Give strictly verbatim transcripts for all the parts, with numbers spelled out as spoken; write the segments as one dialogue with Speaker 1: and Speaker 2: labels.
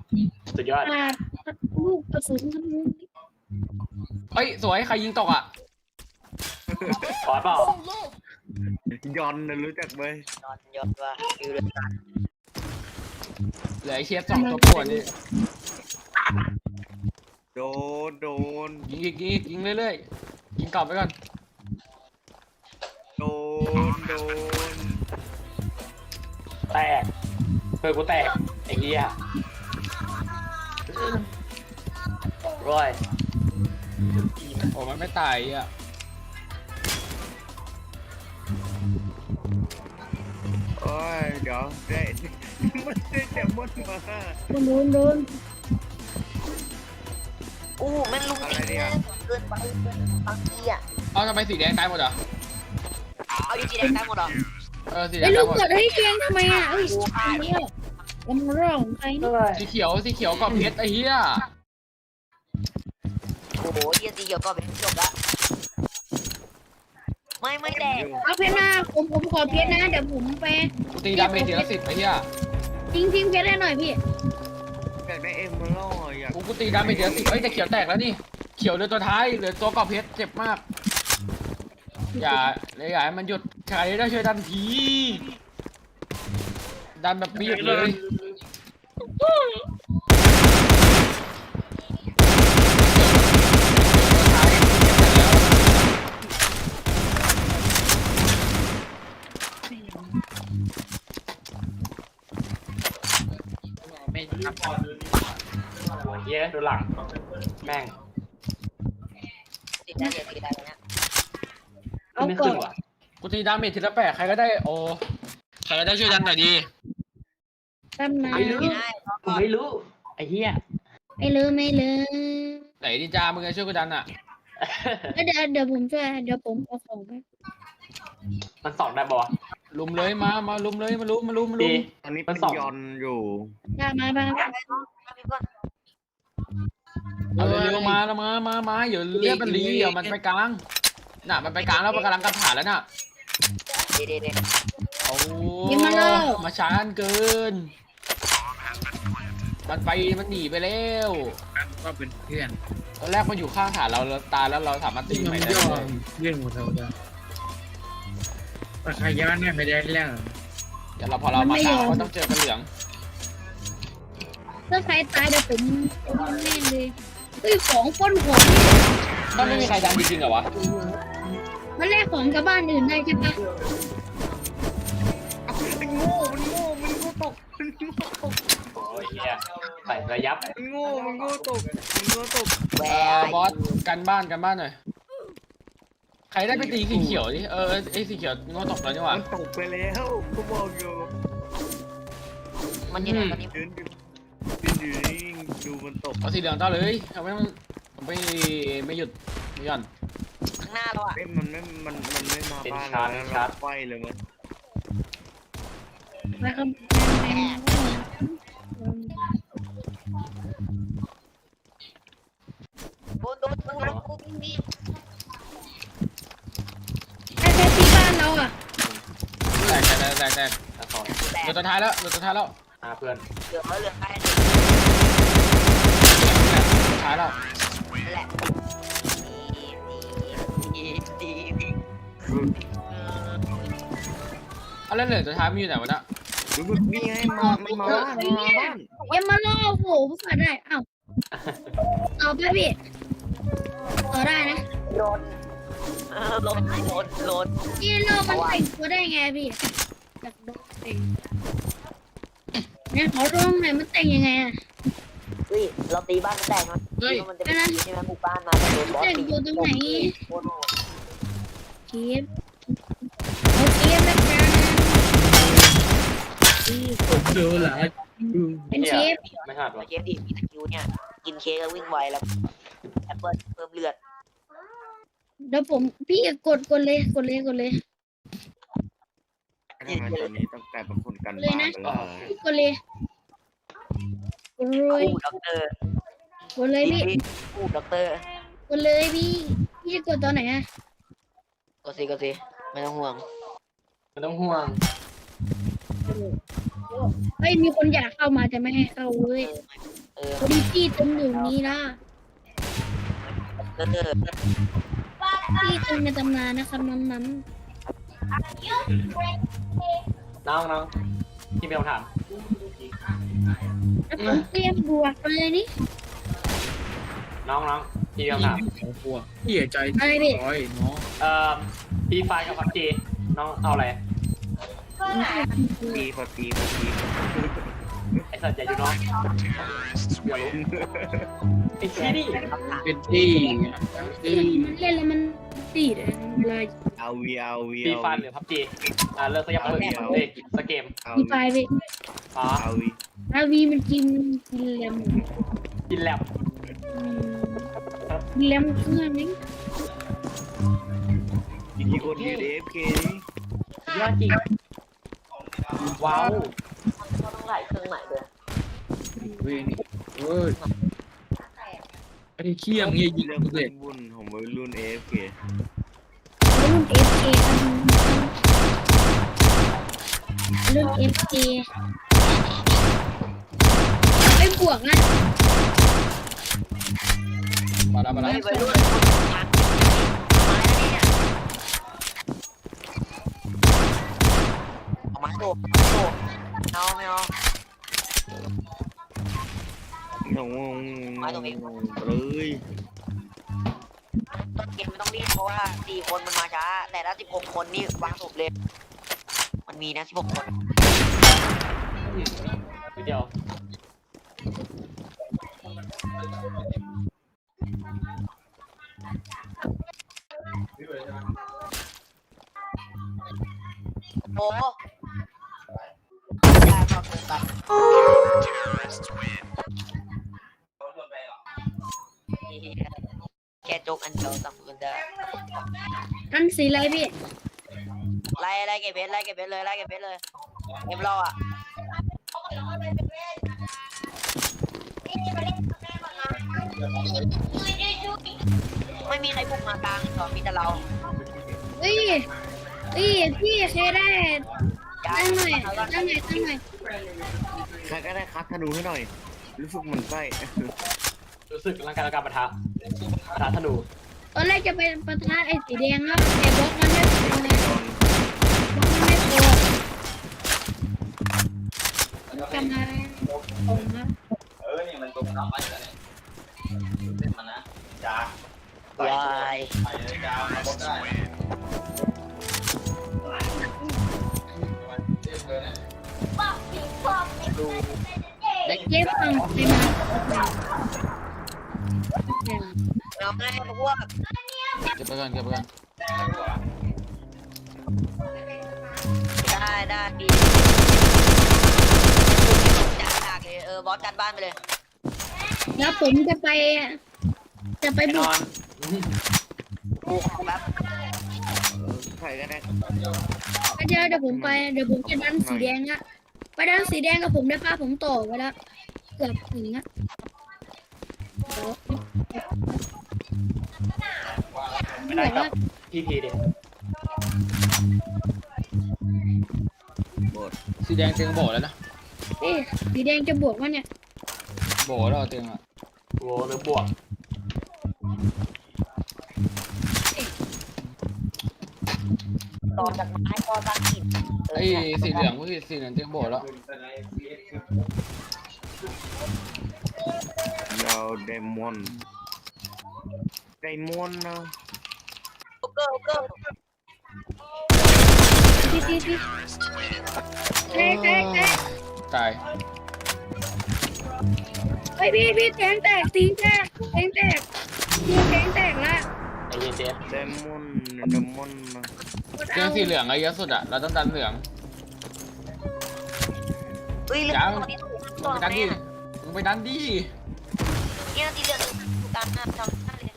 Speaker 1: สุดยอด
Speaker 2: ขาดลูกกระสุน
Speaker 3: เฮ้ยสวยใครยิงตกอ่ะ
Speaker 1: ขอเปล่าย
Speaker 4: อนนะรู้จักไหม
Speaker 5: นอนยศว่าฟิวเดือด
Speaker 3: เหลือไอเชฟสองตัวปวดนี่
Speaker 4: โดนโดน
Speaker 3: ยิงอีกยิงอีกยิงเรื่อยๆยิงกลับไปก่อน
Speaker 4: โดนโดน
Speaker 1: แตกเพื่อนกูแตกไอ้เหี้ยร้อย
Speaker 3: โอ้มันไม่ตายอ่ะ
Speaker 4: โอ้ยเดี๋ยวได้มันได้แต่มดมา
Speaker 2: โดนโดน
Speaker 5: อู้แม่งลุงตีแม่งเกินไปเกินบางทีอ่ะ
Speaker 3: เอาทำไมสีแดงตายหมดอ่ะ
Speaker 5: เอาดีจีแดงได้หมดเหรอ
Speaker 3: เออสีแด
Speaker 2: ไอ้
Speaker 3: ง
Speaker 2: ลู
Speaker 3: ตายหมด
Speaker 2: กกดให้แกงทำไมอ่ะเอ้ยอันนี้มันเรื่องของใครนี่
Speaker 3: สีเขียวสีเขียวกับเพชรไอ้เหี้ย
Speaker 5: โอ้โหเยียสีเขียวก็เป็นจบละไม่ไม่แดง
Speaker 2: เอาเพชรนะผมผมขอเพชรนะเดี๋ยวผมไป
Speaker 3: กูตีดาเมจทีละสิบไอ้เหี้ย
Speaker 2: ทิ้งทิ้งเพชรให้หน่อยพี่
Speaker 4: อยากได้เอ็มเมอรัลด์อยาก
Speaker 3: กูกูตีดาเมจทีละสิบเอ้ยแต่เขียวแตกแล้วนี่เขียวเหลือตัวท้ายเหลือตัวกรอบเพชรเจ็บมากอย่าเลยอย่าให้มันหยุดใครได้ช่วยดันทีดันแบบไม่หยุดเลย
Speaker 1: โอ้ยเหี้ยดูหลังแม่ง
Speaker 5: ติดได้เลยติดได้เลยเนี่ย
Speaker 2: เอา
Speaker 1: ไม่
Speaker 2: ก่อ
Speaker 1: ขึ้
Speaker 2: น
Speaker 1: นว่ะ
Speaker 3: กูตีดาเมจทีละแปดใครก็ได้โอใครก็ได้ช่วยดันหน่อยดี
Speaker 2: ตำนาน
Speaker 1: ไม่รู้
Speaker 5: ไม่ได้
Speaker 1: กูไม่รู้ไอ้เหี้ย
Speaker 2: ไม่ลืมไม่ลืม
Speaker 3: ไหนดิจามึงจะช่วยกูดันอ่ะ
Speaker 2: แล้วเดี๋ยวเดี๋ยวผมช่วยเดี๋ยวผมเอาของไป
Speaker 1: มันสองได้ปะวะ
Speaker 3: ลุมเลยมามาลุมเลยมาลุมมาลุมมาลุ
Speaker 1: ดี
Speaker 3: ม
Speaker 4: ตอนนี้
Speaker 1: มั
Speaker 4: เป็น น
Speaker 1: สอง
Speaker 4: ยอนอยู่
Speaker 2: ได้มาบ้าง
Speaker 3: เอาเร็วๆมาแล้วมามามาเดี๋ยวเรียกมันรีเดี๋ยวมันไปกลางน่ะมันไปกลางแล้วมันกำลังกระถานแล้วน่ะ
Speaker 5: ดีดีดี
Speaker 3: โอ้มาช้าเกิน มันไปมันหนีไปแล้ว
Speaker 6: ก็เป็นเพื่อน
Speaker 3: ตอนแรกมันอยู่ข้างฐานเราเราตายแล้วเราสามารถตี
Speaker 6: ที่
Speaker 3: ให
Speaker 6: มั
Speaker 3: ม่
Speaker 6: น
Speaker 3: ได้
Speaker 6: ย่อ
Speaker 3: เลย
Speaker 6: เรื่องหมดแล้วจ้ะแต่ใครย้อนเนี่ยไม่ได้แล้ว
Speaker 3: เดี๋ยวเราพอเรามาตามก็ต้องเจอกันเหลือง
Speaker 2: ถ้าใครตายเดี๋ยวผมผมแน่เลยเฮ้ยของปล้นของนี่
Speaker 3: ก็ไม่มีใครดันจริงๆเหรอวะ
Speaker 2: มันแลกของกับบ้านอื่นได้ใช่ปะ
Speaker 4: มันโง่มันโง่มันโง่ตกมันโง่ตก
Speaker 1: โอ้ยเหี้ยใส่ระยับ
Speaker 4: มันโง่มันโง่ตกมันโง่ตก
Speaker 5: แหว
Speaker 3: เออบอสกันบ้านกันบ้านหน่อยใครได้ไปตีสีเขียวดิเออไอ้สีเขียวงอตกแล้วนี่หว่า
Speaker 4: มันตกไปแล้วกูบอกอยู่
Speaker 5: มันยังไงตอนนี้
Speaker 4: ยืนอยู่ยืนอยู่นิ่งดูมันตก
Speaker 3: เอาสีเหลืองต่อเลยทำไมมันไม่ไม่หยุดไม่หย่อน
Speaker 5: ข้างหน้าเราอ่ะ
Speaker 4: เอ้ยมันไม่มันมันไม่มาบ้านเราแล้วเราไฟเลยมั้ย
Speaker 2: ไปครับ
Speaker 5: โดนโดนโดนกูมี
Speaker 2: แค่แค่ที่บ้านเราอ่ะ
Speaker 3: แตกแตกแตกแตก
Speaker 1: อ่ะสอง
Speaker 5: แต
Speaker 3: เหลื
Speaker 5: ก
Speaker 3: อตัวท้ายแล้วเหลือตัวท้ายแล้ว
Speaker 1: อ่ะเพื่อน
Speaker 5: เหลืองแล้วเหลืองใกล้
Speaker 3: ตัวท้ายแล้ว
Speaker 5: นั่นแหละดีดีดี
Speaker 3: เอาแล้วเหลือตัวท้ายมันอยู่ไหนวะเนี่ย
Speaker 4: ดูมันนี่ไงมามันมาบ้านมันมาบ้าน
Speaker 2: ยังมาล่อโหผมฝันได้อ้าวต่อไปพี่ต่อได้นะ
Speaker 5: โดนเออโดนโดนโดน
Speaker 2: นี่เรามันแต่งตัวได้ไงพี่จากโดนแต่งเนี่ยขอร้องหน่อยมันแต่งยังไงอ่ะ
Speaker 5: เฮ้ยเราตีบ้านมันแตกมันมันจะเป็นใช่ไหมหมู่บ้านมาแต่โดนบอส
Speaker 2: แต่ง
Speaker 5: ตี
Speaker 2: ตัวตรงไหน
Speaker 5: โคตรโหด
Speaker 2: เก็บเอาเก็บแล้วกัน
Speaker 6: ผมดูหลายดู
Speaker 2: เป็นเชฟ
Speaker 1: ไม่หัดวะ
Speaker 5: เชฟดิมีสกิลเนี่ยกินเค้กแล้ววิ่งไวแล้วแอปเปิ้ลเพิ่มเลือด
Speaker 2: เดี๋ยวผมพี่กดกดเลยกดเลยกดเลย
Speaker 4: ทำไมตอนนี้ต้องกลายเป็นคนกันบ้านไปแล้ว
Speaker 2: พี่กดเลยกดเลย
Speaker 5: คู่ด็อกเตอร์
Speaker 2: กดเลยพี่
Speaker 5: คู่ด็อกเตอร์
Speaker 2: กดเลยพี่พี่จะกดตอนไหนอ่ะ
Speaker 5: ก็สิก็สิไม่ต้องห่วง
Speaker 1: ไม่ต้องห่วง
Speaker 2: เฮ้ยมีคนอยากเข้ามาแต่ไม่ให้เข้าเว้ย
Speaker 5: เออ
Speaker 2: โอดิจี้เต็มอยู่นี้นะ
Speaker 5: เออ
Speaker 2: ที่เต็มในตำนานนะครับน้ำน้
Speaker 1: น้องน้องที่มีคำถาม
Speaker 2: ำแล้วผมเตรียมบวกไปเลยนี่
Speaker 1: น้องน้องที่มีคำถาม
Speaker 6: สองตัวเหี้ยใจ
Speaker 2: อะไรพี่
Speaker 6: ร้อยเนาะ
Speaker 1: เอ่อปีไฟกับพับจีน้องเอาอะไร
Speaker 4: ปีพอปีพอปี
Speaker 1: ไอ้สัตว์ใหญ่อยู่น้องเดี๋ยวรู้ไอ้ชี้นี่
Speaker 6: เป็นที่ที่
Speaker 2: มันเล่นแล้วมันตีดเลย
Speaker 4: เอาวีเอาวี
Speaker 1: ปี
Speaker 4: เอา
Speaker 1: ไฟหรือพับจีอ่าเลิกสักอย่างเลิกเฮ้ยสเกม
Speaker 4: เอา
Speaker 2: มีไฟไป
Speaker 1: อ๋อ
Speaker 4: เอาวี
Speaker 2: อาวีมันกินกินแรม
Speaker 1: กินแลบ
Speaker 2: กินแรมเครื่องนี้
Speaker 4: มีคนยืนเอฟเค
Speaker 1: ยอดจริงว้าว
Speaker 5: ต้องไหลเครื่องใหม่ด้วย
Speaker 6: เว้ยนี่เว้ยไอ้เขี้ยมเงี้ยยิง
Speaker 4: เรื่อง
Speaker 6: เสร็จ
Speaker 4: วุ่นของวัยรุ่นเอฟเค
Speaker 2: รุ่นเอฟเอรุ่นเอฟเอไอ้บวกนะ
Speaker 3: มาแล้วมาแล้ว
Speaker 5: เฮ้ยวัยรุ่นคนทักไม้แล้วเนี่ยเอาไม้โบกโบกเอาไม่เอา
Speaker 4: น้องเลย
Speaker 5: ต้นเกมไม่ต้องรีบเพราะว่าสี่คนมันมาช้าแต่ถ้าสิบหกคนนี่วางศพเลย มันมีนะสิบหกคน
Speaker 1: นิดเดียว
Speaker 5: โอ้ได้พอเกินไปแค่โจกอันเดียวสำคัญได้
Speaker 2: กันสีอะไรพี่
Speaker 5: ไล่ไล่เก็บเพชรไล่เก็บเพชรเลยไล่เก็บเพชรเลยเก็บรออ่ะไม่มีใครบุกมากลางหรอกมีแต่เรา
Speaker 2: เฮ้ยเฮ้ยพี่เคยได้ตั้งหน่อยตั้งหน่อยตั้งหน่อย
Speaker 4: ใครก็ได้คัดธนูให้หน่อย รู้สึกมันไส้
Speaker 1: รู้สึกร่างกายร่างกายปะทะปะทะธนู
Speaker 2: ตอนแรกจะไปปะทะไอ้สีแดงครับแต่บล็อกมันไม่พอเลยบล็อกมันไม่พอทำอะไรผมครับ
Speaker 5: วาย
Speaker 2: เด็กเย็บฟังไปมา
Speaker 5: น้องให้พวก
Speaker 3: เก็บไปก่อนเก็บไปก่อน
Speaker 5: ได้ได้ดีจัดหนักเลยเออบอสจัดบ้านไปเลย
Speaker 2: แล้วผมจะไปจะไป
Speaker 1: ไปน
Speaker 2: บุก
Speaker 1: อน
Speaker 5: กูของแบบ
Speaker 4: ใครก็ได้
Speaker 2: ก็เดี๋ยวเดี๋ยวผมไปเดี๋ยวผมจะดันสีแดงอะไปดันสีแดงกับผมได้ป่ะผมต่อไว้แล้วเกือบถึงอะ
Speaker 1: ไม่ได้กับพีพีเด็ก
Speaker 3: สีแดงเตียงโบแล้วนะ
Speaker 2: เอ๊ะสีแดงจะบวกวะเนี่ย
Speaker 3: โบแล้วเตียงอ่ะ
Speaker 1: โว้หรือบวก
Speaker 5: ต่อจากไม้ก็ตั้งหิน
Speaker 3: ไอ้สีเหลืองก็สีเหลืองเตียงโบแล้ว
Speaker 4: ยาวเดมอนไดมอนนะ
Speaker 5: โอเกอร์โอเกอร์
Speaker 2: ที่ที่ที่เต้เต้เต้
Speaker 3: ตาย
Speaker 2: เฮ้ยพี่พี่แทงแตกตีแตกแทงแตกพี่แทงแตกละ
Speaker 1: ไอ้เย็นเจ๊
Speaker 4: เดมอนเดมอนนะ
Speaker 3: เตียงสีเหลืองไอ้เยอะสุดอ่ะเราต้องดันเหลือง
Speaker 5: เฮ้ยเรื่องตัวนี้ต้อง
Speaker 3: มึงไปดันดิมึงไปดันดิ
Speaker 5: เนี่ยตีเรื่องการทำทำเลย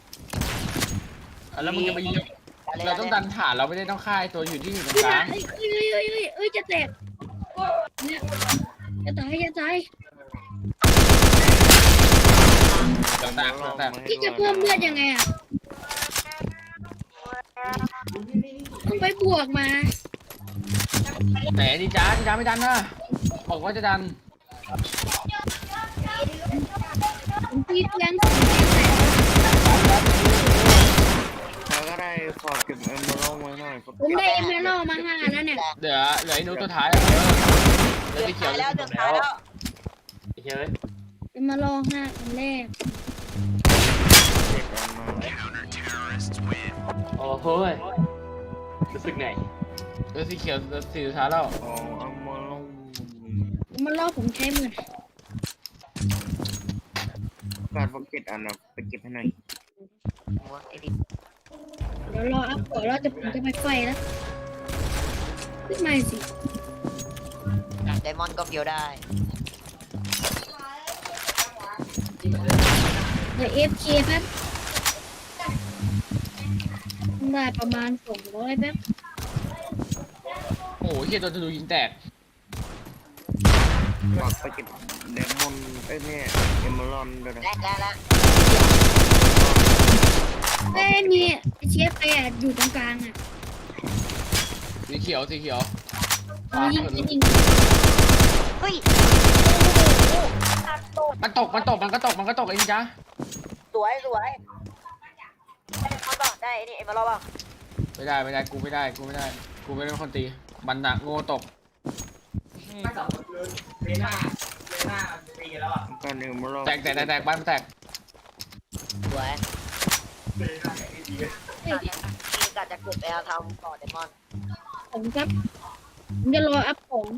Speaker 3: แล้วมึงจะไปยิงเราต้องดันฐานเราไม่ได้ต้องฆ่าไอ้ตัวอยู่ที่อยู่ตรง
Speaker 2: พี่
Speaker 3: ก
Speaker 2: มา
Speaker 3: ลาง
Speaker 2: เอ้ยเอ้ยเอ้ยเอ้ยเอ้ยจะแตกเนี่ยจะตายจะตาย
Speaker 3: ต่างๆต่าง
Speaker 2: พี่จะเพิ่มเลือดยังไงอ่ะต้องไปบวกมา
Speaker 3: ๆไหนดีจ้าดีจ้าไม่ดันนะบอกว่าจะดัน
Speaker 2: ผมได้เอเมอรัลมาห้าแล้วเนี่ย
Speaker 3: เหลือเหลือไอ้นุ้สุดท้ายอะเหลือ
Speaker 5: เดือ
Speaker 3: สี
Speaker 5: ด
Speaker 3: เขียว
Speaker 5: แล้วเดือดแล้ว
Speaker 1: ไอ้เฮ้ย
Speaker 2: เอเมอรัลห้าอันแรก
Speaker 4: เจ็ดอันมา
Speaker 1: โอ้โหยรู้สึกไง
Speaker 3: เหลือสีเขียวเหลือสีสุดท้ายแล้ว
Speaker 4: อ๋อเอามาลง
Speaker 2: เอเมอรัลผมใช้หมื่น
Speaker 4: การฟักเก็ตอันนะไปเก็บให้หน่อย
Speaker 5: ไอ้ดิ
Speaker 2: เดี๋ยวรออัพก่อนแล้วจะผมจะไปไฟแล้วขึ้นมาสิ
Speaker 5: ไดมอนด์ก็เฟียวได้
Speaker 2: เดี๋ยวเอฟเคแป๊บได้ประมาณสองร้อยแป๊บ
Speaker 3: โอ้โหเฮียโดนธนูยิงแตก
Speaker 4: ฝากไปเก็บเดมอนไอ้เนี่ยเอมเมอรอนด้วยนะ
Speaker 5: และและและ
Speaker 2: เอ้ยมีเชียร์ไปอ่ะอยู่ตรงกลางอ่ะ
Speaker 3: สีเขียวสีเขียว
Speaker 2: เอายิงยิงยิง
Speaker 5: เฮ้ย
Speaker 3: มันตกมันตกมันก็ตกมันก็ตกเองจ้ะ
Speaker 5: สวยสวยได้เขาต่อได้ไอ้นี่เอ็มมาลอป่ะ
Speaker 3: ไม่ได้ไม่ได้กูไม่ได้กูไม่ได้กูไม่ได้เป็นคนตีมันหนักโง่ตก
Speaker 4: การเอมเมอรอน
Speaker 3: แตกแตกแตกแตกบ้านมันแตก
Speaker 5: สวย
Speaker 2: เฮ้ย
Speaker 5: มีกาจะเกิดไปเอาทำต่อเดมอน
Speaker 2: ผมครับผมจะรออัพของ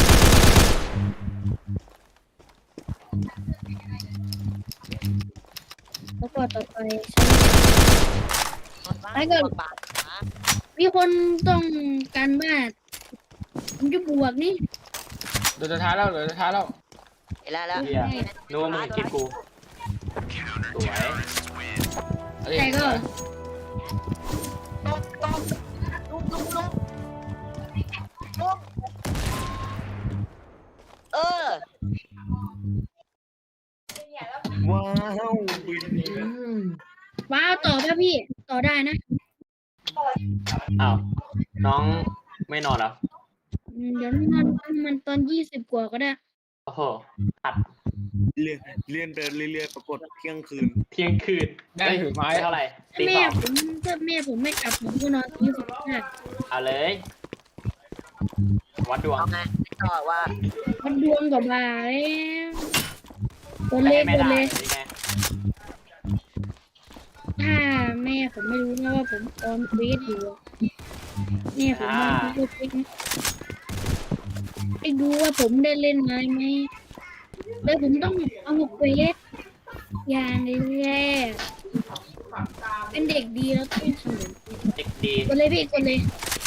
Speaker 2: แล้วก็ต่อไปใช้
Speaker 5: แล้วก็บาท
Speaker 2: มีคนต้องการบ้านผมจะบวกนี่
Speaker 3: เดือดสุดท้ายแล้วเดือดสุดท้ายแล้ว
Speaker 5: เห็นแล้วแล้ว
Speaker 1: เฮียนึกว่ามึงคิดกูสวย
Speaker 3: เอ้ย
Speaker 2: แต่ก็
Speaker 5: ต้องต้องลุกลุกลุกลุกเออ
Speaker 4: ว้าวบิน
Speaker 2: ว้าวต่อป่ะพี่ต่อได้นะ
Speaker 1: อ้าวน้องไม่นอนเหรอ
Speaker 2: อืมเดี๋ยวมันมันตอนยี่สิบกว่าก็ได้
Speaker 1: โอ้โหอัด
Speaker 4: เรียนเรียนเดินเรื่อยๆปรากฏเที่ยงคืน
Speaker 1: เที่ยงคืน
Speaker 3: ได้ถือไม้
Speaker 1: เท่าไหร่ตี
Speaker 2: แม่
Speaker 1: สอง
Speaker 2: ผมถ้าแม่ผมไม่กลับผมก็นอนยี่สิบห้า
Speaker 1: เอาเลย วัดดวง
Speaker 5: เอาไงต่อว่า
Speaker 2: มันดวงกับบาแล้วตัว
Speaker 1: ไม่
Speaker 2: เล็
Speaker 1: ให้
Speaker 2: ก
Speaker 1: แม่
Speaker 2: ตัว
Speaker 1: ด่า
Speaker 2: เล็ก
Speaker 1: นี่ไง
Speaker 2: ถ้าแม่ผมไม่รู้นะว่าผมออนเฟซอยู่อะแม่ผมมันก็เฟซนะไปดูว่าผมได้เล่นไหมไหมแล้วผมต้องเอาเฟซอย่างแรกเป็นเด็กดีแล้วต้องทำแบบนี้
Speaker 1: เด็กดี
Speaker 2: กดเลยพี่กดเลย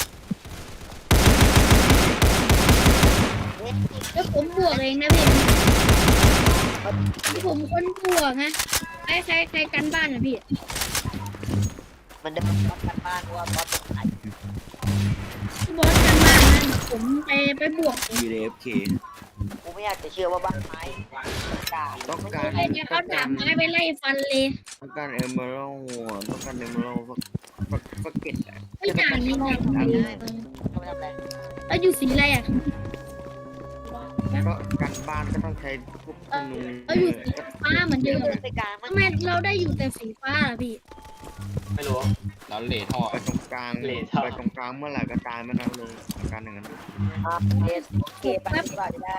Speaker 2: แล้วผมบวกเองนะพี่ที่ผมคนบวกนะใครใครใครกันบ้านนะพี่
Speaker 5: มันเดินบอสกันบ้านเพราะว่าบอสตาย
Speaker 2: พี่บอสกันบ้านนะผมไปไปบวกผม
Speaker 4: วีเอฟเค
Speaker 5: กูไม่อยากจะเชื่อว่าบ้านไม้กา
Speaker 4: ต้องการ
Speaker 2: ไปเนี่ยเขาถามไม้ไปไล่ฟันเลย
Speaker 4: ต้องการเอมเมอรอนต้องการเอมเมอรอนฟักฟักเก็ตอะ
Speaker 2: ไม่ต่างนี่ไง
Speaker 5: เขาไม่ทำอะไร
Speaker 2: แล้วอยู่สีอะไรอ่ะ
Speaker 4: ก็การบ้านก็ต้องใช้พวกธนู
Speaker 2: เราอยู่สีฟ้าเหมือนเดิม
Speaker 5: ไปกลางมัน
Speaker 2: ทำไมเราได้อยู่แต่สีฟ้าล่ะพี่
Speaker 1: ไม่รู้
Speaker 3: เราเหล่ท่อ
Speaker 4: ไปตรงกลาง
Speaker 1: เลทเท่า
Speaker 4: ไปตรงกลางเมื่อไหร่ก็ตายเมื่อนั้นเลยอาการอย่างนั้น
Speaker 5: เอสเคไปดีกว่าจะได้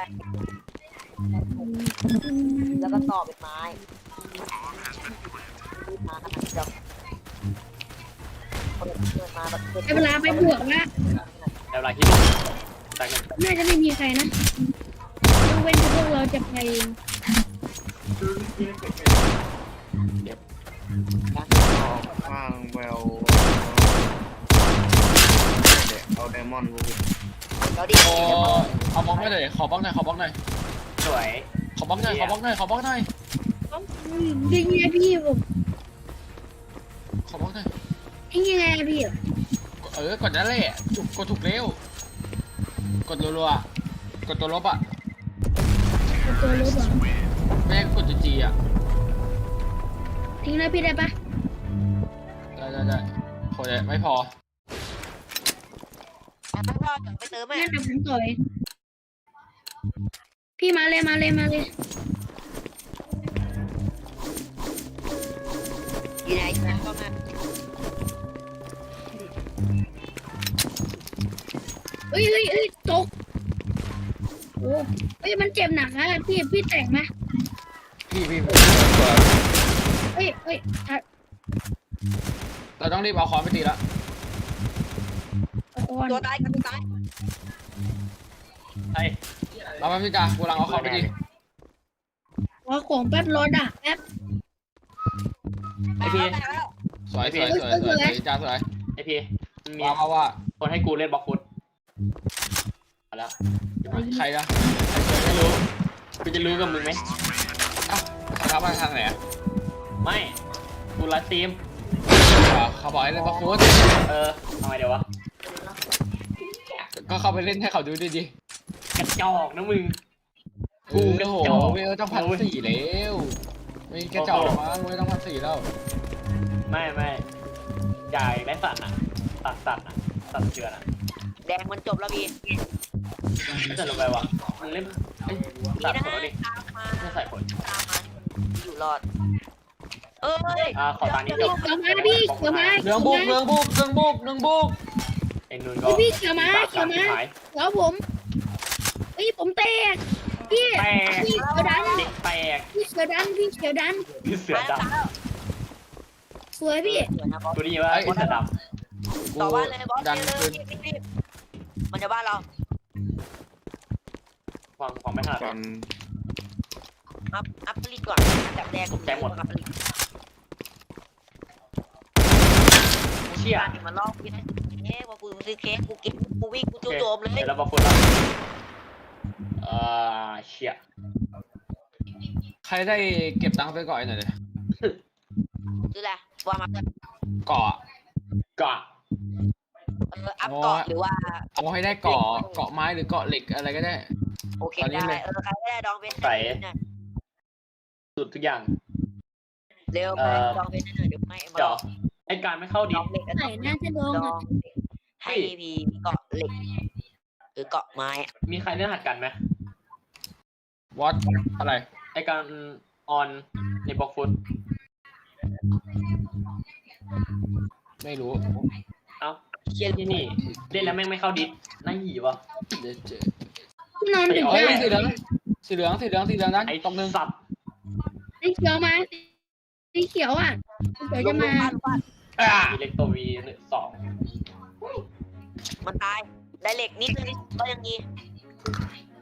Speaker 5: แล้วก็ต่อเป็นไม้มาขนาดจะคนเดินมาแบบ
Speaker 2: ได้เวลาไปบวกแล้ว
Speaker 1: แต่เวลาคิดตักหนึ่ง
Speaker 2: น่าจะไม่มีใครนะยกเว้นพวกเราจะไปเอง
Speaker 4: ข้างแววเอาไดมอนด์
Speaker 5: เราดิ
Speaker 3: โอ้เอาบล็อกหน่อยขอบล็อกหน่อยขอบล็อกหน่อย
Speaker 1: สวย
Speaker 3: ขอบล็อกหน่อยขอบล็อกหน่อยขอบล็อกหน่อย
Speaker 2: ยิงไงพี่ผม
Speaker 3: ขอบล็อกหน่อย
Speaker 2: ยิงยังไงพี่
Speaker 3: เออกดนั่นแหละจุกกดถูกเร็วกดรัวๆกดตัวลบอ่ะ
Speaker 2: ตัวรถอ่ะ
Speaker 3: ไม่ให้กดจีอ่ะ
Speaker 2: ทิ้งเลยพี่ได้ปะ
Speaker 3: ได้ได้ได้โหยไม่พอ
Speaker 5: ไม่ว่าไปเติมไหม
Speaker 2: งั้นเดี๋ยวผมต่อยพี่มาเลยมาเลยมาเลย
Speaker 5: อยู่ไหนนะก็มา
Speaker 2: เฮ้ยเฮ้ยเฮ้ยตกโอ้เฮ้ยมันเจ็บหนักนะพี่พี่แตกไหม
Speaker 3: พี่พี่
Speaker 2: เฮ้ยเฮ้ยอ่ะ
Speaker 3: เราต้องรีบเอาค้อนไปตีละ
Speaker 2: อ่อน
Speaker 5: ตัวตายกันตัวตาย
Speaker 1: ไอ้
Speaker 3: เราไม่พี่จ้ากูกำลังเอาค้อนไปตี
Speaker 2: รอของแป๊บรอด่าแป๊บ
Speaker 1: ไอพี
Speaker 5: ตายแล้ว
Speaker 3: สวยสวยสวยสวยสวยจ้าสวย
Speaker 1: ไอพีมันมี
Speaker 3: ว่าว่าว่า
Speaker 1: คนให้กูเล่นบล็อกฟุตเอาละ
Speaker 3: ใครนะ
Speaker 1: ไม่รู้กูจะรู้กับมึงไหม
Speaker 3: อ้าวเขาทักมาทางไหนอะ
Speaker 1: ไม่กูไลฟ์สตรีม
Speaker 3: เขาบอกให้เล่นบล็อกฟุต
Speaker 1: เออทำไมเดี๋ยววะ
Speaker 3: ก็เข้าไปเล่นให้เขาดูดีดี
Speaker 1: กระจอกนะมึง
Speaker 3: กูโอ้โหเวลต้องพันสี่แล้วไม่กระจอกมั้งเวลต้องพันสี่แล้ว
Speaker 1: ไม่ไม่ใหญ่ได้สัตว์อ่ะสัตว์สัตว์อ่ะสัตว์เชือนอ่ะ
Speaker 5: แดงมันจบแล้วพี่
Speaker 1: ไม่จะลงไปวะมึงเล่นไอ้
Speaker 5: พี่
Speaker 1: สัตว์
Speaker 5: นะ
Speaker 1: ผลดิ
Speaker 5: ตามมา
Speaker 1: ไม่ใส่ผล
Speaker 5: ตามมาอยู่รอดเอ้ย
Speaker 1: อ่าขอตานี้จบ
Speaker 2: เขียวมาพี่เขียวมา
Speaker 3: เรื่องบุกเรื่องบุกเรื่องบุกเรื่องบุก
Speaker 1: ไอ้นุ่นก็
Speaker 2: พี่เขียวมาเขียวมา
Speaker 1: หาย
Speaker 2: เขียวผมเฮ้ยผมแตกพี่
Speaker 1: แตก
Speaker 2: พี่เขียวดัน
Speaker 1: เด็กแตก
Speaker 2: พี่เขียวดันพี่เขียวดัน
Speaker 1: พี่เสือด
Speaker 2: สวยพี่
Speaker 5: เดี๋ยวนะบอส
Speaker 1: ำกูได้ยินว่าพี่เสือด
Speaker 3: กู
Speaker 5: ต่อบ้านเลยบอส
Speaker 3: ดัน
Speaker 5: เร็ว
Speaker 3: คืน
Speaker 5: รีบรีบมันจะบ้านเรา
Speaker 1: ำฟังฟังไม่ถนัด
Speaker 4: ตอน
Speaker 5: อัพอัพผลิตก่อนอันดับแรก
Speaker 1: ตกใจหมด
Speaker 5: อัพผลิต
Speaker 1: เชี่ย
Speaker 5: การมันลอกพี่นะเอ๊ะว่ากูซื้อเค้กกูกินกูวิ่งกูจู่โจมเลย
Speaker 1: เดี๋ยวเราบอกคนละเอ่อเชี่ย
Speaker 3: ใครได้เก็บตังค์ไปก่อนหน่อยเลย
Speaker 5: ซื้ออะไรว่ามาเพื่อน
Speaker 3: เกาะ
Speaker 1: กะ
Speaker 5: เอออัพเกาะหรือว่า
Speaker 3: เอาให้ได้เกาะเกาะไม้หรือเกาะเหล็กอะไรก็ได้
Speaker 5: โอเค
Speaker 3: ตอนนี้
Speaker 5: ได้
Speaker 3: เลย
Speaker 5: เออใครก็ได้ดองเว้น
Speaker 1: ใส่
Speaker 5: หน่อย
Speaker 1: สุดทุกอย่าง
Speaker 5: เร็วไปดองเว้นหน่อยเดี๋ยวไม่มา
Speaker 1: เดี๋ยวไอการไม่เข้า
Speaker 5: ด
Speaker 1: ดิ
Speaker 5: องเหล็กกัน
Speaker 2: ไหนน่าจะลง
Speaker 5: ด
Speaker 2: อ่ะ
Speaker 5: องให้พีมีเกาะเหล็กหรือเกาะไม้อะ
Speaker 1: มีใครเล่นหัดกันไหม
Speaker 3: วอตอะไร
Speaker 1: ไอการออนในบล็อกฟุต
Speaker 3: ไม่รู้
Speaker 1: เอ้าเชี่ยที่นี่เล่นแล้วแม่งไม่เข้าดิสน่าหยีวะ
Speaker 3: เดี๋ยวเจอน
Speaker 2: อนดึก
Speaker 3: เฮ้ย
Speaker 2: ได้
Speaker 3: สีเหลืองสีเหลืองสีเหลืองสีเหลืองนั้น
Speaker 1: ไอ
Speaker 3: ตรงนึง
Speaker 1: สัตว์
Speaker 2: สีเขียวมาสีเขียวอ่ะสีเขียว
Speaker 5: ล
Speaker 2: จะ
Speaker 5: ง
Speaker 2: มา
Speaker 5: บ้านบ้าน
Speaker 3: อ่า
Speaker 1: มีเล็กตัววีสอง
Speaker 5: มันตายได้เหล็กนิดนึงก็ยังดี